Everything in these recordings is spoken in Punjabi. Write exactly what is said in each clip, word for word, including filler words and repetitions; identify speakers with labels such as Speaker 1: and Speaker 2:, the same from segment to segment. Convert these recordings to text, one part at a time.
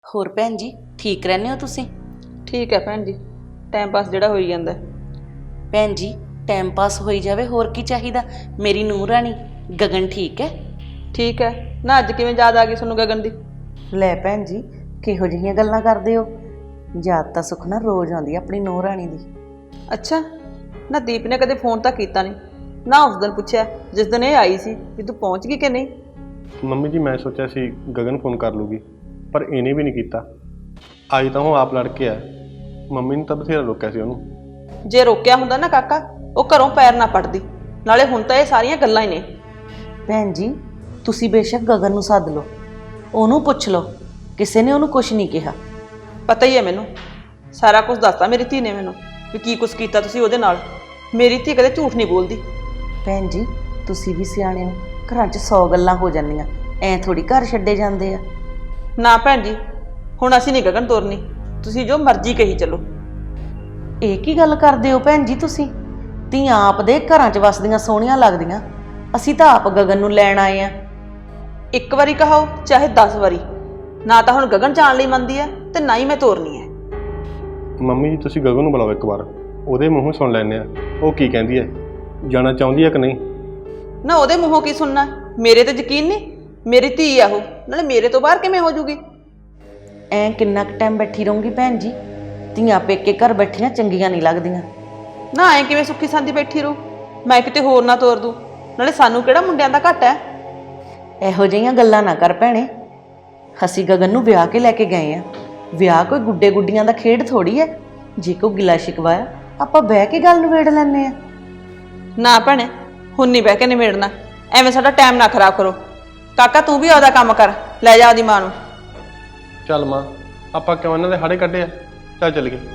Speaker 1: ਹੋਰ ਭੈਣ ਜੀ ਠੀਕ ਰਹਿੰਦੇ ਹੋ ਤੁਸੀਂ?
Speaker 2: ठीक है भैन जी, टाइम पास ਜਿਹੜਾ ਹੋਈ ਜਾਂਦਾ।
Speaker 1: ਭੈਣ ਜੀ ਟਾਈਮ ਪਾਸ ਹੋਈ ਜਾਵੇ, ਹੋਰ ਕੀ ਚਾਹੀਦਾ। ਮੇਰੀ ਨੂੰਹ ਰਾਣੀ ਗਗਨ ਠੀਕ ਹੈ?
Speaker 2: ठीक है ना, ਅੱਜ ਕਿਵੇਂ ਯਾਦ ਆ ਗਈ ਤੁਹਾਨੂੰ ਗਗਨ ਦੀ?
Speaker 1: ਲੈ ਭੈਣ ਜੀ ਕਿਹੋ ਜਿਹੀਆਂ ਗੱਲਾਂ ਕਰਦੇ ਹੋ। ਯਾਦ ਤਾਂ ਸੁੱਖ ਨਾ ਰੋਜ਼ ਆਉਂਦੀ ਆ ਆਪਣੀ ਨੂੰਹ ਰਾਣੀ ਦੀ।
Speaker 2: ਅੱਛਾ ਨਾ, ਦੀਪ ਨੇ ਕਦੇ ਫੋਨ ਤਾਂ ਕੀਤਾ ਨਹੀਂ ਨਾ। ਉਸ ਦਿਨ ਪੁੱਛਿਆ ਜਿਸ ਦਿਨ ਇਹ ਆਈ ਸੀ ਵੀ ਤੂੰ ਪਹੁੰਚ ਗਈ ਕਿ ਨਹੀਂ।
Speaker 3: ਮੰਮੀ ਜੀ ਮੈਂ ਸੋਚਿਆ ਸੀ ਗਗਨ ਫੋਨ ਕਰ ਲੂਗੀ, ਪਰ ਇਹਨੇ ਵੀ ਨਹੀਂ ਕੀਤਾ। ਅੱਜ ਤਾਂ ਉਹ ਆਪ ਲੜ ਕੇ ਆ। ਮੰਮੀ ਨੇ ਤਾਂ ਬਥੇਰਾ ਰੋਕਿਆ ਸੀ ਉਹਨੂੰ।
Speaker 2: ਜੇ ਰੋਕਿਆ ਹੁੰਦਾ ਨਾ ਕਾਕਾ, ਉਹ ਘਰੋਂ ਪੈਰ ਨਾ ਪੜਦੀ। ਨਾਲੇ ਹੁਣ ਤਾਂ ਇਹ ਸਾਰੀਆਂ ਗੱਲਾਂ ਹੀ ਨੇ।
Speaker 1: ਭੈਣ ਜੀ ਤੁਸੀਂ ਬੇਸ਼ੱਕ ਗਗਨ ਨੂੰ ਸੱਦ ਲਓ, ਉਹਨੂੰ ਪੁੱਛ ਲਓ, ਕਿਸੇ ਨੇ ਉਹਨੂੰ ਕੁਝ ਨਹੀਂ ਕਿਹਾ।
Speaker 2: ਪਤਾ ਹੀ ਹੈ ਮੈਨੂੰ, ਸਾਰਾ ਕੁਝ ਦੱਸਤਾ ਮੇਰੀ ਧੀ ਨੇ ਮੈਨੂੰ ਵੀ ਕੀ ਕੁਝ ਕੀਤਾ ਤੁਸੀਂ ਉਹਦੇ ਨਾਲ। ਮੇਰੀ ਧੀ ਕਦੇ ਝੂਠ ਨਹੀਂ ਬੋਲਦੀ।
Speaker 1: ਭੈਣ ਜੀ ਤੁਸੀਂ ਵੀ ਸਿਆਣੇ ਹੋ, ਘਰਾਂ 'ਚ ਸੌ ਗੱਲਾਂ ਹੋ ਜਾਂਦੀਆਂ, ਐਂ ਥੋੜੀ ਘਰ ਛੱਡੇ ਜਾਂਦੇ ਆ।
Speaker 2: ਨਾ ਭੈਣ ਜੀ, ਹੁਣ ਅਸੀਂ ਨਹੀਂ ਗਗਨ ਤੋਰਨੀ, ਤੁਸੀਂ ਜੋ ਮਰਜ਼ੀ ਕਹੀ ਚੱਲੋ।
Speaker 1: ਇਹ ਕੀ ਗੱਲ ਕਰਦੇ ਹੋ ਭੈਣ ਜੀ ਤੁਸੀਂ? ਧੀਆਂ ਆਪ ਦੇ ਘਰਾਂ 'ਚ ਵਸਦੀਆਂ ਸੋਹਣੀਆਂ ਲੱਗਦੀਆਂ, ਅਸੀਂ ਤਾਂ ਆਪ ਗਗਨ ਨੂੰ ਲੈਣ ਆਏ ਆ।
Speaker 2: ਇੱਕ ਵਾਰੀ ਕਹਾਓ ਚਾਹੇ ਦਸ ਵਾਰੀ, ਨਾ ਤਾਂ ਹੁਣ ਗਗਨ ਜਾਣ ਲਈ ਮੰਨਦੀ ਹੈ ਤੇ ਨਾ ਹੀ ਮੈਂ ਤੋਰਨੀ ਹੈ।
Speaker 3: ਮੰਮੀ ਜੀ ਤੁਸੀਂ ਗਗਨ ਨੂੰ ਬੁਲਾਓ ਇੱਕ ਵਾਰ, ਉਹਦੇ ਮੂੰਹੋਂ ਸੁਣ ਲੈਂਦੇ ਆ ਉਹ ਕੀ ਕਹਿੰਦੀ ਹੈ, ਜਾਣਾ ਚਾਹੁੰਦੀ ਹੈ ਕਿ ਨਹੀਂ।
Speaker 2: ਨਾ ਉਹਦੇ ਮੂੰਹੋਂ ਕੀ ਸੁਣਨਾ, ਮੇਰੇ ਤੇ ਯਕੀਨ ਨਹੀਂ। ਮੇਰੀ ਧੀ ਆ ਉਹ, ਨਾਲੇ ਮੇਰੇ ਤੋਂ ਬਾਹਰ ਕਿਵੇਂ ਹੋ ਜੂਗੀ।
Speaker 1: ਐਂ ਕਿੰਨਾ ਕੁ ਟਾਈਮ ਬੈਠੀ ਰਹੂੰਗੀ ਭੈਣ ਜੀ? ਧੀਆਂ ਪੇਕੇ ਘਰ ਬੈਠੀਆਂ ਚੰਗੀਆਂ ਨਹੀਂ ਲੱਗਦੀਆਂ।
Speaker 2: ਨਾ ਐਂ ਕਿਵੇਂ ਸੁੱਖੀ ਸਾਂਦੀ ਬੈਠੀ ਰਹੂ, ਮੈਂ ਕਿਤੇ ਹੋਰ ਨਾ ਤੋਰ ਦੂੰ। ਨਾਲੇ ਸਾਨੂੰ ਕਿਹੜਾ ਮੁੰਡਿਆਂ ਦਾ ਘੱਟ ਹੈ।
Speaker 1: ਇਹੋ ਜਿਹੀਆਂ ਗੱਲਾਂ ਨਾ ਕਰ ਭੈਣੇ। ਅਸੀਂ ਗਗਨ ਨੂੰ ਵਿਆਹ ਕੇ ਲੈ ਕੇ ਗਏ ਆ। ਵਿਆਹ ਕੋਈ ਗੁੱਡੇ ਗੁੱਡੀਆਂ ਦਾ ਖੇਡ ਥੋੜੀ ਹੈ। ਜੇ ਕੋਈ ਗਿਲਾ ਸ਼ਿਕਵਾ ਆ ਆਪਾਂ ਬਹਿ ਕੇ ਗੱਲ ਨਿਬੇੜ ਲੈਂਦੇ ਆ।
Speaker 2: ਨਾ ਭੈਣੇ, ਹੁਣ ਨਹੀਂ ਬਹਿ ਕੇ ਨਿਬੇੜਨਾ। ਐਵੇਂ ਸਾਡਾ ਟਾਈਮ ਨਾ ਖਰਾਬ ਕਰੋ। ਕਾਕਾ ਤੂੰ ਵੀ ਆਪਦਾ ਕੰਮ ਕਰ, ਲੈ ਜਾ ਉਹਦੀ ਮਾਂ ਨੂੰ।
Speaker 3: ਚੱਲ ਮਾਂ, ਆਪਾਂ ਕਿਉਂ ਇਹਨਾਂ ਦੇ ਹਾੜੇ ਕੱਢੇ ਆ, ਚੱਲ ਚੱਲ ਗਏ।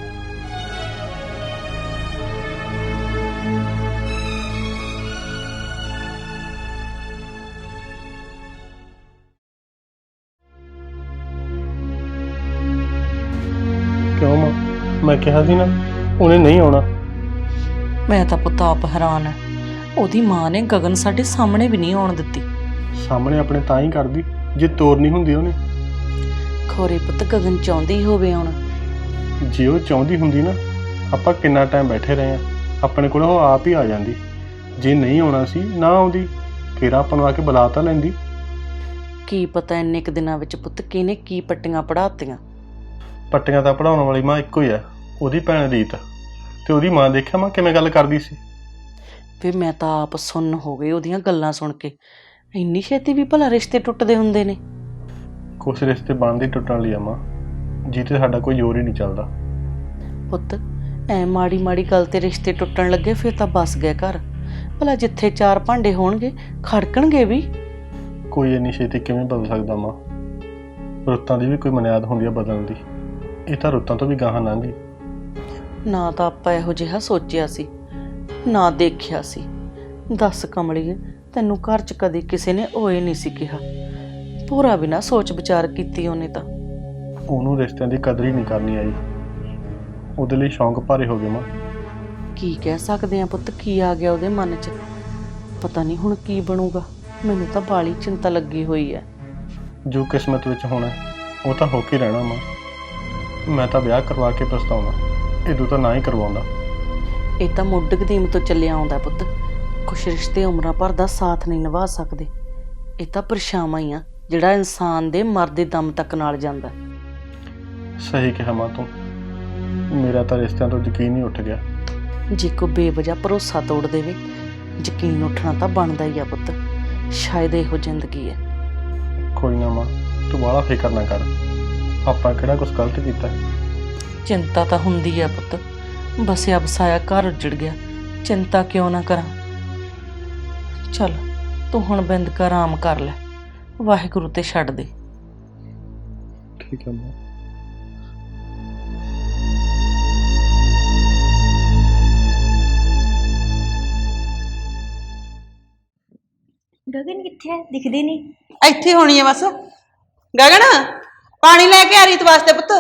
Speaker 3: ਕਿਉਂ ਮਾਂ, ਮੈਂ ਕਿਹਾ ਸੀ ਨਾ ਉਹਨੇ ਨਹੀਂ ਆਉਣਾ।
Speaker 1: ਮੈਂ ਤਾਂ ਪੁੱਤ ਆਪ ਹੈਰਾਨ ਆ, ਉਹਦੀ ਮਾਂ ਨੇ ਗਗਨ ਸਾਡੇ ਸਾਹਮਣੇ ਵੀ ਨਹੀਂ ਆਉਣ ਦਿੱਤੀ।
Speaker 3: ਸਾਹਮਣੇ ਆਪਣੇ ਤਾਂ ਹੀ ਕਰਦੀ ਜੇ ਤੋਰਨੀ ਹੁੰਦੀ ਉਹਨੇ।
Speaker 1: ਖੋਰੇ ਪੁੱਤ ਗਗਨ ਚਾਹੁੰਦੀ ਹੋਵੇ ਹੁਣ।
Speaker 3: ਜੇ ਉਹ ਚਾਹੁੰਦੀ ਹੁੰਦੀ ਨਾ, ਆਪਾਂ ਕਿੰਨਾ ਟਾਈਮ ਬੈਠੇ ਰਹੇ ਆ, ਆਪਣੇ ਕੋਲ ਉਹ ਆਪ ਹੀ ਆ ਜਾਂਦੀ। ਜੇ ਨਹੀਂ ਆਉਣਾ ਸੀ ਨਾ ਆਉਂਦੀ, ਫਿਰ ਆਪਾਂ ਨੂੰ ਆ ਕੇ ਬੁਲਾ ਤਾਂ ਲੈਂਦੀ।
Speaker 1: ਕੀ ਪਤਾ ਇੰਨੇ ਕੁ ਦਿਨਾਂ ਵਿੱਚ ਪੁੱਤ ਕਿਹਨੇ ਕੀ ਪੱਟੀਆਂ ਪੜਾਤੀਆਂ।
Speaker 3: ਪੱਟੀਆਂ ਤਾਂ ਪੜਾਉਣ ਵਾਲੀ ਮਾਂ ਇੱਕੋ ਹੀ ਆ, ਉਹਦੀ ਭੈਣ ਰੀਤ। ਤੇ ਉਹਦੀ ਮਾਂ ਦੇਖਿਆ ਮਾਂ ਕਿਵੇਂ ਗੱਲ ਕਰਦੀ ਸੀ।
Speaker 1: ਫਿਰ ਮੈਂ ਤਾਂ ਆਪ ਸੁੰਨ ਹੋ ਗਈ ਉਹਦੀਆਂ ਗੱਲਾਂ ਸੁਣ ਕੇ। ਇੰਨੀ ਛੇਤੀ ਵੀ ਭਲਾ ਰਿਸ਼ਤੇ ਟੁੱਟਦੇ ਹੁੰਦੇ ਨੇ?
Speaker 3: ਕੁਛ ਰਿਸ਼ਤੇ ਬਣਦੇ ਟੁੱਟਣ ਲਈ ਆ ਮਾਂ, ਜਿੱਤੇ ਸਾਡਾ ਕੋਈ ਜ਼ੋਰ ਹੀ ਨਹੀਂ ਚੱਲਦਾ।
Speaker 1: ਪੁੱਤ ਐ ਮਾੜੀ ਮਾੜੀ ਗੱਲ ਤੇ ਰਿਸ਼ਤੇ ਟੁੱਟਣ ਲੱਗੇ ਫਿਰ ਤਾਂ ਬਸ ਗਏ ਘਰ। ਭਲਾ ਜਿੱਥੇ ਚਾਰ ਭਾਂਡੇ ਹੋਣਗੇ ਖੜਕਣਗੇ ਵੀ।
Speaker 3: ਕੋਈ ਇੰਨੀ ਛੇਤੀ ਕਿਵੇਂ ਬਦਲ ਸਕਦਾ ਮਾਂ? ਰੁੱਤਾਂ ਦੀ ਵੀ ਕੋਈ ਬੁਨਿਆਦ ਹੁੰਦੀ ਆ ਬਦਲਣ ਦੀ। ਇਹ ਤਾਂ ਰੁੱਤਾਂ ਤੋਂ ਵੀ ਗਾਹਾਂ ਲੰਘ ਗਈ।
Speaker 1: ਨਾ ਤਾਂ ਆਪਾਂ ਇਹੋ ਜਿਹਾ ਸੋਚਿਆ ਸੀ, ਨਾ ਦੇਖਿਆ ਸੀ। ਦੱਸ ਕਮਲੀਏ, ਤੈਨੂੰ ਘਰ 'ਚ ਕਦੇ ਕਿਸੇ ਨੇ ਓਏ ਨਹੀਂ ਸੀ ਕਿਹਾ। ਪੂਰਾ ਬਿਨਾਂ ਸੋਚ ਵਿਚਾਰ ਕੀਤੀ ਉਹਨੇ ਤਾਂ।
Speaker 3: ਉਹਨੂੰ ਰਿਸ਼ਤਿਆਂ ਦੀ ਕਦਰ ਹੀ ਨਹੀਂ ਕਰਨੀ ਆਈ। ਉਹਦੇ ਲਈ ਸ਼ੌਂਕ ਭਾਰੇ ਹੋ ਗਏ ਮਾਂ।
Speaker 1: ਕੀ ਕਹਿ ਸਕਦੇ ਆ ਪੁੱਤ, ਕੀ ਆ ਗਿਆ ਉਹਦੇ ਮਨ 'ਚ? ਪਤਾ ਨਹੀਂ ਹੁਣ ਕੀ ਬਣੂਗਾ। ਮੈਨੂੰ ਤਾਂ ਬਾਲੀ ਚਿੰਤਾ ਲੱਗੀ ਹੋਈ ਹੈ।
Speaker 3: ਜੋ ਕਿਸਮਤ ਵਿੱਚ ਹੋਣਾ ਉਹ ਤਾਂ ਹੋ ਕੇ ਰਹਿਣਾ ਮਾਂ। ਮੈਂ ਤਾਂ ਵਿਆਹ ਕਰਵਾ ਕੇ ਪਛਤਾਉਣਾ, ਇਦੋਂ ਤਾਂ ਨਾ ਹੀ ਕਰਵਾਉਂਦਾ।
Speaker 1: ਇਹ ਤਾਂ ਮੁੱਢ ਕਦੀਮ ਤੋਂ ਚੱਲਿਆ ਆਉਂਦਾ ਪੁੱਤ। ਕੁਛ ਰਿਸ਼ਤੇ ਉਮਰਾਂ ਭਰ ਦਾ ਸਾਥ ਨਹੀਂ ਨਿਭਾ ਸਕਦੇ। ਇਹ ਤਾਂ ਪਰਛਾਵਾਂ ਹੀ ਆ ਜਿਹੜਾ ਇਨਸਾਨ ਦੇ ਮਰਦੇ ਦਮ ਤੱਕ ਨਾਲ ਜਾਂਦਾ।
Speaker 3: ਸਹੀ ਕਿਹਾ ਮਾਂ ਤੂੰ। ਮੇਰਾ ਤਾਂ ਰਿਸ਼ਤਿਆਂ ਤੋਂ ਯਕੀਨ ਹੀ ਉੱਠ ਗਿਆ।
Speaker 1: ਜੇ ਕੋਈ ਬੇਵਜ੍ਹਾ ਭਰੋਸਾ ਤੋੜ ਦੇਵੇ, ਯਕੀਨ ਉੱਠਣਾ ਤਾਂ ਬਣਦਾ ਹੀ ਆ ਪੁੱਤ। ਸ਼ਾਇਦ ਇਹੋ ਜ਼ਿੰਦਗੀ ਹੈ।
Speaker 3: ਕੋਈ ਨਾ ਮਾਂ, ਤੂੰ ਬਾਹਲਾ ਫਿਕਰ ਨਾ ਕਰ। ਆਪਾਂ ਕਿਹੜਾ ਕੁਛ ਗਲਤ ਕੀਤਾ?
Speaker 1: ਚਿੰਤਾ ਤਾਂ ਹੁੰਦੀ ਆ ਪੁੱਤ, ਬਸਿਆ ਬਸਾਇਆ ਘਰ ਉੱਜੜ ਗਿਆ, ਚਿੰਤਾ ਕਿਉਂ ਨਾ ਕਰਾਂ। ਚੱਲ ਤੂੰ ਹੁਣ ਬਿੰਦ ਕਰ ਆਰਾਮ ਕਰ ਲੈ, ਵਾਹਿਗੁਰੂ ਤੇ ਛੱਡ ਦੇ।
Speaker 3: ਠੀਕ ਹੈ ਮਾਂ।
Speaker 4: ਗਗਨ ਕਿੱਥੇ ਹੈ? ਦਿਖਦੀ ਨਹੀਂ।
Speaker 2: ਇੱਥੇ ਹੋਣੀ ਹੈ ਬਸ। ਗਗਨ ਪਾਣੀ ਲੈ ਕੇ ਆ ਰੀਤ ਵਾਸਤੇ ਪੁੱਤ।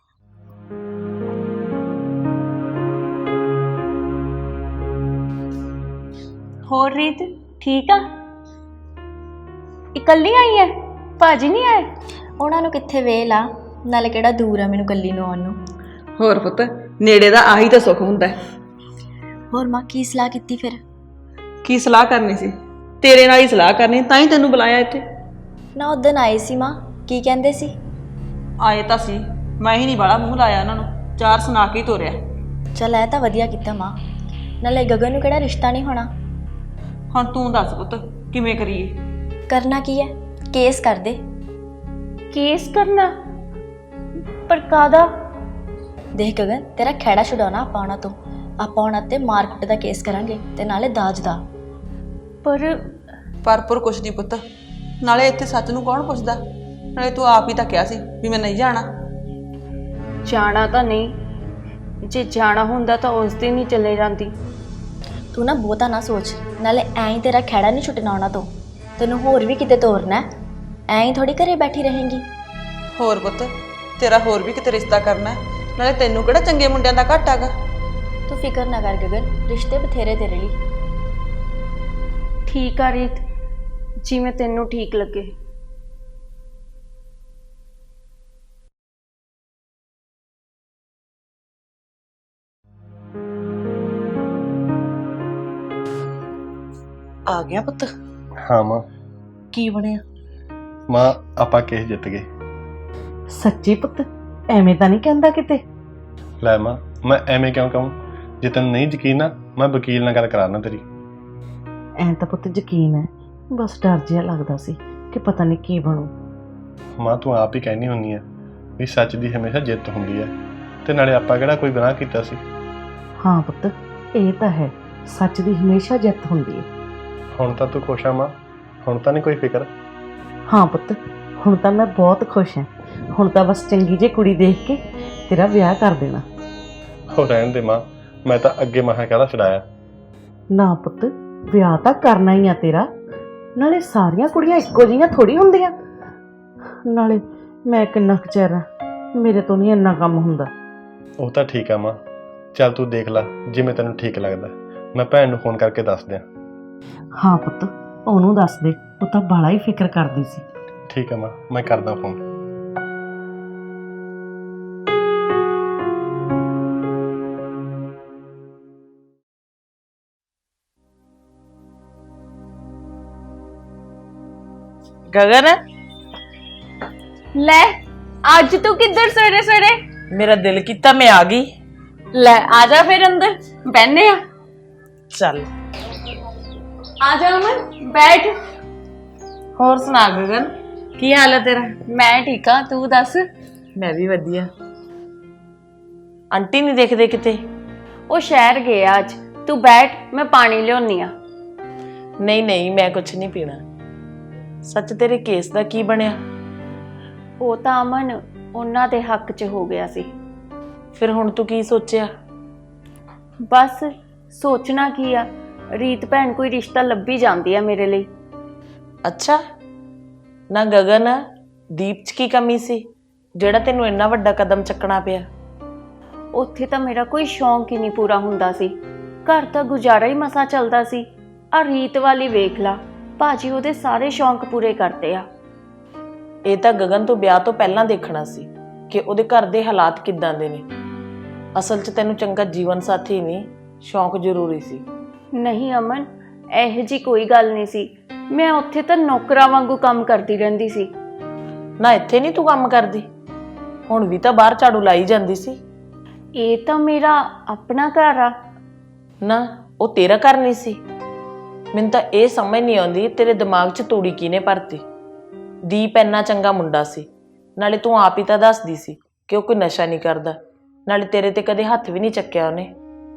Speaker 4: ਹੋਰ ਰੀਤ ਠੀਕ ਆ? ਇਕੱਲੀ ਆਈ ਹੈ? ਭਾਜੀ ਨਹੀਂ ਆਏ? ਉਹਨਾਂ ਨੂੰ ਕਿੱਥੇ ਵੇਲ ਆ, ਨਾਲੇ ਕਿਹੜਾ ਦੂਰ ਆ ਮੈਨੂੰ ਕੱਲੀ ਨੂੰ ਆਉਣ ਨੂੰ।
Speaker 2: ਹੋਰ ਪੁੱਤ, ਨੇੜੇ ਦਾ ਆਹੀ ਤਾਂ ਸੁੱਖ ਹੁੰਦਾ ਹੈ।
Speaker 4: ਹੋਰ ਮਾਂ ਕੀ ਸਲਾਹ ਕੀਤੀ ਫਿਰ?
Speaker 2: ਕੀ ਸਲਾਹ ਕਰਨੀ ਸੀ? ਤੇਰੇ ਨਾਲ ਹੀ ਸਲਾਹ ਕਰਨੀ, ਤਾਂ ਹੀ ਤੈਨੂੰ ਬੁਲਾਇਆ ਇੱਥੇ।
Speaker 4: ਨਾ ਉਦੋਂ ਆਏ ਸੀ ਮਾਂ, ਕੀ ਕਹਿੰਦੇ ਸੀ?
Speaker 2: ਆਏ ਤਾਂ ਸੀ, ਮੈਂ ਹੀ ਨਹੀਂ ਬਾਲਾ ਮੂੰਹ ਲਾਇਆ ਉਹਨਾਂ ਨੂੰ, ਚਾਰ ਸੁਣਾ ਕੇ ਹੀ ਤੋਰਿਆ।
Speaker 4: ਚੱਲ ਇਹ ਤਾਂ ਵਧੀਆ ਕੀਤਾ ਮਾਂ। ਨਾਲੇ ਗਗਨ ਨੂੰ ਕਿਹੜਾ ਰਿਸ਼ਤਾ ਨਹੀਂ ਹੋਣਾ।
Speaker 2: ਹੁਣ ਤੂੰ ਦੱਸ ਪੁੱਤ, ਕਿਵੇਂ ਕਰੀਏ?
Speaker 4: ਕਰਨਾ ਕੀ ਹੈ? ਕੇਸ ਕਰ ਦੇ। ਕੇਸ ਕਰਨਾ? ਪਰ ਕਾਹਦਾ? ਦੇਖ ਗਗਨ, ਤੇਰਾ ਖਹਿੜਾ ਛੁਡਾਉਣਾ ਆਪਾਂ ਉਹਨਾਂ ਤੋਂ। ਆਪਾਂ ਉਹਨਾਂ ਤੇ ਮਾਰਕੀਟ ਦਾ ਕੇਸ ਕਰਾਂਗੇ ਤੇ ਨਾਲੇ ਦਾਜ ਦਾ। ਪਰ
Speaker 2: ਪਰ ਪਰ ਕੁਛ ਨਹੀਂ ਪੁੱਤ, ਨਾਲੇ ਇੱਥੇ ਸੱਚ ਨੂੰ ਕੌਣ ਪੁੱਛਦਾ? ਨਾਲੇ ਤੂੰ ਆਪ ਹੀ ਤਾਂ ਕਿਹਾ ਸੀ ਵੀ ਮੈਂ ਨਹੀਂ ਜਾਣਾ।
Speaker 5: ਜਾਣਾ ਤਾਂ ਨਹੀਂ, ਜੇ ਜਾਣਾ ਹੁੰਦਾ ਤਾਂ ਉਸ ਦਿਨ ਹੀ ਚਲੇ ਜਾਂਦੀ।
Speaker 4: ਤੂੰ ਨਾ ਬਹੁਤਾ ਨਾ ਸੋਚ, ਨਾਲੇ ਐਂ ਹੀ ਤੇਰਾ ਖਹਿੜਾ ਨਹੀਂ ਛੁੱਟਣਾ ਉਹਨਾਂ ਤੋਂ। ਤੈਨੂੰ ਹੋਰ ਵੀ ਕਿਤੇ ਤੋਰਨਾ ਹੈ, ਐਂ ਹੀ ਥੋੜੀ ਘਰੇ ਬੈਠੀ ਰਹੇਂਗੀ।
Speaker 2: ਹੋਰ ਪੁੱਤ, ਤੇਰਾ ਹੋਰ ਵੀ ਕਿਤੇ ਰਿਸ਼ਤਾ ਕਰਨਾ ਹੈ, ਨਾਲੇ ਤੈਨੂੰ ਕਿਹੜਾ ਚੰਗੇ ਮੁੰਡਿਆਂ ਦਾ ਘੱਟ ਹੈਗਾ।
Speaker 4: ਤੂੰ ਫਿਕਰ ਨਾ ਕਰ ਗਗਨ, ਰਿਸ਼ਤੇ ਬਥੇਰੇ ਤੇਰੇ ਲਈ।
Speaker 5: ਠੀਕ ਆ ਰੀਤ, ਜਿਵੇਂ ਤੈਨੂੰ ਠੀਕ ਲੱਗੇ।
Speaker 1: ਆ ਗਿਆ ਪੁੱਤ?
Speaker 3: ਹਾਂ ਮਾਂ।
Speaker 1: ਕੀ ਬਣਿਆ?
Speaker 3: ਮਾਂ ਆਪਾਂ ਕੇਸ ਜਿੱਤ ਗਏ।
Speaker 1: ਸੱਚੀ ਪੁੱਤ? ਐਵੇਂ ਤਾਂ ਨਹੀਂ ਕਹਿੰਦਾ ਕਿਤੇ?
Speaker 3: ਲੈ ਮਾਂ, ਮੈਂ ਐਵੇਂ ਕਿਉਂ ਕਹੂੰ? ਜੇ ਤੈਨੂੰ ਨਹੀਂ ਯਕੀਨ ਨਾ, ਮੈਂ ਵਕੀਲ ਨਾਲ ਗੱਲ ਕਰਾਉਣਾ ਤੇਰੀ।
Speaker 1: ਐਂ ਤਾਂ ਪੁੱਤ ਯਕੀਨ ਹੈ, ਬਸ ਡਰ ਜਿਹਾ ਲੱਗਦਾ ਸੀ ਕਿ ਪਤਾ ਨਹੀਂ ਕੀ ਬਣੂ।
Speaker 3: ਮਾਂ ਤੂੰ ਆਪ ਹੀ ਕਹਿਣੀ ਹੁੰਦੀ ਆ ਵੀ ਸੱਚ ਦੀ ਹਮੇਸ਼ਾ ਜਿੱਤ ਹੁੰਦੀ ਹੈ, ਤੇ ਨਾਲੇ ਆਪਾਂ ਕਿਹੜਾ ਕੋਈ ਗੁਨਾਹ ਕੀਤਾ ਸੀ।
Speaker 1: ਹਾਂ ਪੁੱਤ, ਇਹ ਤਾਂ ਹੈ, ਸੱਚ ਦੀ ਹਮੇਸ਼ਾ ਜਿੱਤ ਹੁੰਦੀ ਹੈ।
Speaker 3: ਹੁਣ ਤਾਂ ਤੂੰ ਖੁਸ਼ ਆ ਮਾਂ? ਹੁਣ ਤਾਂ ਨਹੀਂ ਕੋਈ ਫਿਕਰ?
Speaker 1: ਹਾਂ ਪੁੱਤ, ਹੁਣ ਤਾਂ ਮੈਂ ਬਹੁਤ ਖੁਸ਼ ਹਾਂ। ਹੁਣ ਤਾਂ ਬਸ ਚੰਗੀ ਜਿਹੀ ਕੁੜੀ ਦੇਖ ਕੇ ਤੇਰਾ ਵਿਆਹ ਕਰ ਦੇਣਾ।
Speaker 3: ਹੋ ਰਹਿਣ ਦੇ ਮਾਂ, ਮੈਂ ਤਾਂ ਅੱਗੇ ਮਹਾ ਕਹਿਦਾ ਛਡਾਇਆ।
Speaker 1: ਨਾ ਪੁੱਤ, ਵਿਆਹ ਤਾਂ ਕਰਨਾ ਹੀ ਆ ਤੇਰਾ। ਨਾਲੇ ਸਾਰੀਆਂ ਕੁੜੀਆਂ ਇੱਕੋ ਜਿਹੀਆਂ ਥੋੜੀ ਹੁੰਦੀਆਂ। ਨਾਲੇ ਮੈਂ ਕਿੰਨਾ ਕੁ ਚਿਰ ਆ, ਮੇਰੇ ਤੋਂ ਨਹੀਂ ਇੰਨਾ ਕੰਮ ਹੁੰਦਾ।
Speaker 3: ਉਹ ਤਾਂ ਠੀਕ ਆ ਮਾਂ, ਚੱਲ ਤੂੰ ਦੇਖ ਲੈ ਜਿਵੇਂ ਤੈਨੂੰ ਠੀਕ ਲੱਗਦਾ। ਮੈਂ ਭੈਣ ਨੂੰ ਫੋਨ ਕਰਕੇ ਦੱਸ ਦਿਆਂ।
Speaker 1: ਹਾਂ ਪੁੱਤ, ਉਹਨੂੰ ਦੱਸ ਦੇ, ਉਹ ਤਾਂ ਬਾਲਾ ਹੀ ਫਿਕਰ ਕਰਦੀ ਸੀ।
Speaker 3: ਠੀਕ ਆ ਮਾਂ, ਮੈਂ ਕਰਦਾ ਫੋਨ।
Speaker 1: ਗਗਨ,
Speaker 5: ਲੈ ਅੱਜ ਤੂੰ ਕਿੱਧਰ ਸਵੇਰੇ ਸਵੇਰੇ?
Speaker 1: ਮੇਰਾ ਦਿਲ ਕੀਤਾ ਮੈਂ ਆ ਗਈ।
Speaker 5: ਲੈ ਆ ਜਾ ਫਿਰ ਅੰਦਰ ਬੈਠਨੇ ਆ।
Speaker 1: ਚੱਲ
Speaker 5: ਆ ਜਾ ਅਮਨ, ਬੈਠ।
Speaker 1: ਹੋਰ ਸੁਣਾ ਗਗਨ, ਕੀ ਹਾਲ ਹੈ ਤੇਰਾ?
Speaker 5: ਮੈਂ ਠੀਕ ਆ, ਤੂੰ ਦੱਸ?
Speaker 1: ਮੈਂ ਵੀ ਵਧੀਆ। ਆਂਟੀ ਨਹੀਂ ਦੇਖਦੇ ਕਿਤੇ?
Speaker 5: ਉਹ ਸ਼ਹਿਰ ਗਏ ਆ ਅੱਜ। ਤੂੰ ਬੈਠ, ਮੈਂ ਪਾਣੀ ਲਿਆਉਣੀ ਆ।
Speaker 1: ਨਹੀਂ ਨਹੀਂ, ਮੈਂ ਕੁਛ ਨਹੀਂ ਪੀਣਾ। ਸੱਚ ਤੇਰੇ ਕੇਸ ਦਾ ਕੀ ਬਣਿਆ?
Speaker 5: ਉਹ ਤਾਂ ਅਮਨ ਉਹਨਾਂ ਦੇ ਹੱਕ 'ਚ ਹੋ ਗਿਆ ਸੀ।
Speaker 1: ਫਿਰ ਹੁਣ ਤੂੰ ਕੀ ਸੋਚਿਆ?
Speaker 5: ਬਸ ਸੋਚਣਾ ਕੀ ਆ, ਰੀਤ ਭੈਣ ਕੋਈ ਰਿਸ਼ਤਾ ਲੱਭੀ ਜਾਂਦੀ ਆ ਮੇਰੇ ਲਈ।
Speaker 1: ਅੱਛਾ, ਨਾ ਗਗਨ, ਦੀਪ 'ਚ ਕੀ ਕਮੀ ਸੀ ਜਿਹੜਾ ਤੈਨੂੰ ਇੰਨਾ ਵੱਡਾ ਕਦਮ ਚੱਕਣਾ ਪਿਆ?
Speaker 5: ਉੱਥੇ ਤਾਂ ਮੇਰਾ ਕੋਈ ਸ਼ੌਂਕ ਹੀ ਨਹੀਂ ਪੂਰਾ ਹੁੰਦਾ ਸੀ, ਘਰ ਤਾਂ ਗੁਜ਼ਾਰਾ ਹੀ ਮਸਾਂ ਚੱਲਦਾ ਸੀ। ਆ ਰੀਤ ਵਾਲੀ ਵੇਖ ਲਾ, ਭਾਜੀ ਉਹਦੇ ਸਾਰੇ ਸ਼ੌਂਕ ਪੂਰੇ ਕਰਦੇ ਆ।
Speaker 1: ਇਹ ਤਾਂ ਗਗਨ ਤੋਂ ਵਿਆਹ ਤੋਂ ਪਹਿਲਾਂ ਦੇਖਣਾ ਸੀ ਕਿ ਉਹਦੇ ਘਰ ਦੇ ਹਾਲਾਤ ਕਿੱਦਾਂ ਦੇ ਨੇ। ਅਸਲ 'ਚ ਤੈਨੂੰ ਚੰਗਾ ਜੀਵਨ ਸਾਥੀ ਨਹੀਂ, ਸ਼ੌਂਕ ਜ਼ਰੂਰੀ ਸੀ।
Speaker 5: ਨਹੀਂ ਅਮਨ, ਇਹੋ ਜੀ ਕੋਈ ਗੱਲ ਨਹੀਂ ਸੀ। ਮੈਂ ਉੱਥੇ ਤਾਂ ਨੌਕਰਾਂ ਵਾਂਗੂ ਕੰਮ ਕਰਦੀ ਰਹਿੰਦੀ ਸੀ।
Speaker 1: ਨਾ ਇੱਥੇ ਨਹੀਂ ਤੂੰ ਕੰਮ ਕਰਦੀ? ਹੁਣ ਵੀ ਤਾਂ ਬਾਹਰ ਝਾੜੂ ਲਾਈ ਜਾਂਦੀ ਸੀ।
Speaker 5: ਇਹ ਤਾਂ ਮੇਰਾ ਆਪਣਾ ਘਰ ਆ।
Speaker 1: ਨਾ ਉਹ ਤੇਰਾ ਘਰ ਨਹੀਂ ਸੀ? ਮੈਨੂੰ ਤਾਂ ਇਹ ਸਮਝ ਨਹੀਂ ਆਉਂਦੀ ਤੇਰੇ ਦਿਮਾਗ 'ਚ ਤੂੜੀ ਕਿਹਨੇ ਭਰਤੀ। ਦੀਪ ਇੰਨਾ ਚੰਗਾ ਮੁੰਡਾ ਸੀ, ਨਾਲੇ ਤੂੰ ਆਪ ਹੀ ਤਾਂ ਦੱਸਦੀ ਸੀ ਕਿ ਉਹ ਕੋਈ ਨਸ਼ਾ ਨਹੀਂ ਕਰਦਾ, ਨਾਲੇ ਤੇਰੇ ਤੇ ਕਦੇ ਹੱਥ ਵੀ ਨਹੀਂ ਚੱਕਿਆ ਉਹਨੇ।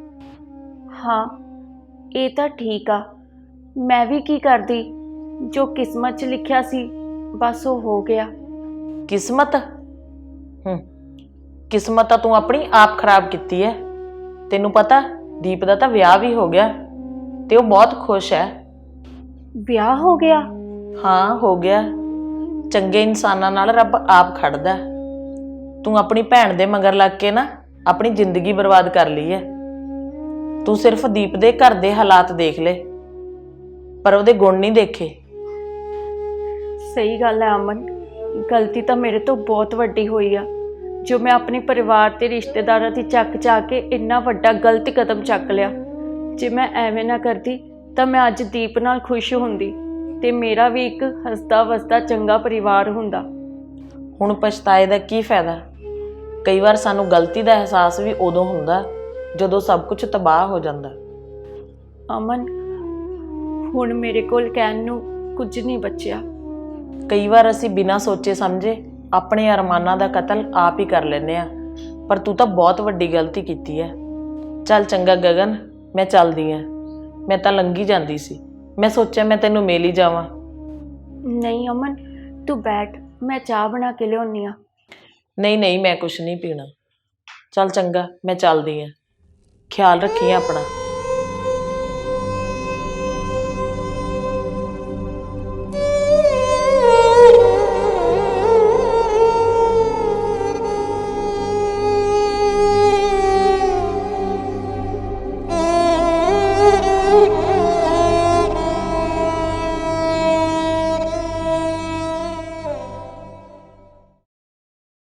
Speaker 5: ਹਾਂ ਇਹ ਤਾਂ ਠੀਕ ਆ, ਮੈਂ ਵੀ ਕੀ ਕਰਦੀ, ਜੋ ਕਿਸਮਤ 'ਚ ਲਿਖਿਆ ਸੀ ਬਸ ਉਹ ਹੋ ਗਿਆ।
Speaker 1: ਕਿਸਮਤ? ਹੂੰ, ਕਿਸਮਤ ਤਾਂ ਤੂੰ ਆਪਣੀ ਆਪ ਖਰਾਬ ਕੀਤੀ ਹੈ। ਤੈਨੂੰ ਪਤਾ ਦੀਪ ਦਾ ਤਾਂ ਵਿਆਹ ਵੀ ਹੋ ਗਿਆ ਤੇ ਉਹ ਬਹੁਤ ਖੁਸ਼ ਹੈ।
Speaker 5: ਵਿਆਹ ਹੋ ਗਿਆ?
Speaker 1: ਹਾਂ ਹੋ ਗਿਆ। ਚੰਗੇ ਇਨਸਾਨਾਂ ਨਾਲ ਰੱਬ ਆਪ ਖੜਦਾ। ਤੂੰ ਆਪਣੀ ਭੈਣ ਦੇ ਮਗਰ ਲੱਗ ਕੇ ਨਾ ਆਪਣੀ ਜ਼ਿੰਦਗੀ ਬਰਬਾਦ ਕਰ ਲਈ ਹੈ। ਤੂੰ ਸਿਰਫ ਦੀਪ ਦੇ ਘਰ ਦੇ ਹਾਲਾਤ ਦੇਖ ਲੈ, ਪਰ ਉਹਦੇ ਗੁਣ ਨਹੀਂ ਦੇਖੇ।
Speaker 5: ਸਹੀ ਗੱਲ ਹੈ ਅਮਨ, ਗਲਤੀ ਤਾਂ ਮੇਰੇ ਤੋਂ ਬਹੁਤ ਵੱਡੀ ਹੋਈ ਆ। ਜੋ ਮੈਂ ਆਪਣੇ ਪਰਿਵਾਰ ਤੇ ਰਿਸ਼ਤੇਦਾਰਾਂ ਦੀ ਚੱਕ ਚਾ ਕੇ ਇੰਨਾ ਵੱਡਾ ਗਲਤ ਕਦਮ ਚੱਕ ਲਿਆ। ਜੇ ਮੈਂ ਐਵੇਂ ਨਾ ਕਰਦੀ ਤਾਂ ਮੈਂ ਅੱਜ ਦੀਪ ਨਾਲ ਖੁਸ਼ ਹੁੰਦੀ ਤੇ ਮੇਰਾ ਵੀ ਇੱਕ ਹੱਸਦਾ ਵਸਦਾ ਚੰਗਾ ਪਰਿਵਾਰ ਹੁੰਦਾ।
Speaker 1: ਹੁਣ ਪਛਤਾਏ ਦਾ ਕੀ ਫਾਇਦਾ? ਕਈ ਵਾਰ ਸਾਨੂੰ ਗਲਤੀ ਦਾ ਅਹਿਸਾਸ ਵੀ ਉਦੋਂ ਹੁੰਦਾ ਜਦੋਂ ਸਭ ਕੁਝ ਤਬਾਹ ਹੋ ਜਾਂਦਾ।
Speaker 5: ਅਮਨ, ਹੁਣ ਮੇਰੇ ਕੋਲ ਕਹਿਣ ਨੂੰ ਕੁਝ ਨਹੀਂ ਬਚਿਆ।
Speaker 1: ਕਈ ਵਾਰ ਅਸੀਂ ਬਿਨਾਂ ਸੋਚੇ ਸਮਝੇ ਆਪਣੇ ਅਰਮਾਨਾਂ ਦਾ ਕਤਲ ਆਪ ਹੀ ਕਰ ਲੈਂਦੇ ਆ, ਪਰ ਤੂੰ ਤਾਂ ਬਹੁਤ ਵੱਡੀ ਗਲਤੀ ਕੀਤੀ ਹੈ। ਚੱਲ ਚੰਗਾ ਗਗਨ, ਮੈਂ ਚੱਲਦੀ ਹਾਂ। ਮੈਂ ਤਾਂ ਲੰਘੀ ਜਾਂਦੀ ਸੀ, ਮੈਂ ਸੋਚਿਆ ਮੈਂ ਤੈਨੂੰ ਮਿਲ ਹੀ ਜਾਵਾਂ।
Speaker 5: ਨਹੀਂ ਅਮਨ, ਤੂੰ ਬੈਠ, ਮੈਂ ਚਾਹ ਬਣਾ ਕੇ ਲਿਆਉਣੀ ਆ।
Speaker 1: ਨਹੀਂ ਨਹੀਂ, ਮੈਂ ਕੁਛ ਨਹੀਂ ਪੀਣਾ। ਚੱਲ ਚੰਗਾ, ਮੈਂ ਚੱਲਦੀ ਹਾਂ। ਖਿਆਲ ਰੱਖੀ ਆਪਣਾ।